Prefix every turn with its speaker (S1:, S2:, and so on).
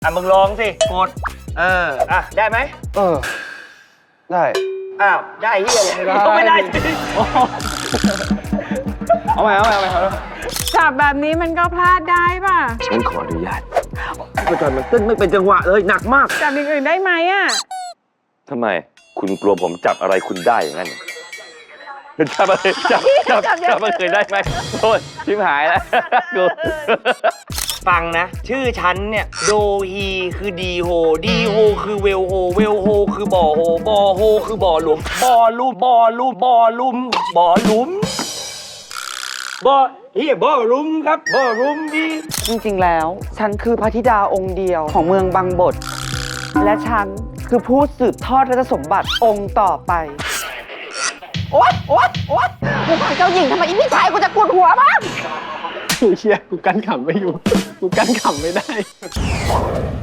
S1: มึงลองสิกดได้ไหม
S2: ได้
S1: อ้าวได้เฮียเลยไม่ได้
S2: เอาใหม่
S3: จับแบบนี้มันก็พลาดได้ป่ะ
S2: ฉันขออนุญาตอาจารย์มันเต้นไม่เป็นจังหวะเลยหนักมาก
S3: จับอย่างอื่นได้ไหมอ่ะ
S4: ทำไมคุณกลัวผมจับอะไรคุณได้อย่างนั้นจับอะไรจับมันเคยได้ไหมโทษชิมหายแล้วกู
S1: ฟังนะชื่อฉันเนี่ยโดฮีคือดีโฮดีโฮคือเวลโฮเวลโฮคือบ่อโฮบ่อโฮคือบ่อหลุมบ่อลุ่มบ่อลุ่มบ่อลุ่มบ่อหลุมบ่อเฮียบ่อลุ่มครับบ่อลุ่มดี
S5: จริงๆ แล้วฉันคือพระธิดาองค์เดียวของเมืองบางบท และฉันคือผู้สืบทอดราชสมบัติองค์ต่อไป โอ๊ยกูฟังเจ้าหญิงทำไมอีพี่ชายกูจะกดหัวบ้าง
S2: เชี่ยกูกั้นขำไม่อยู่ กูกั้นขำไม่ได้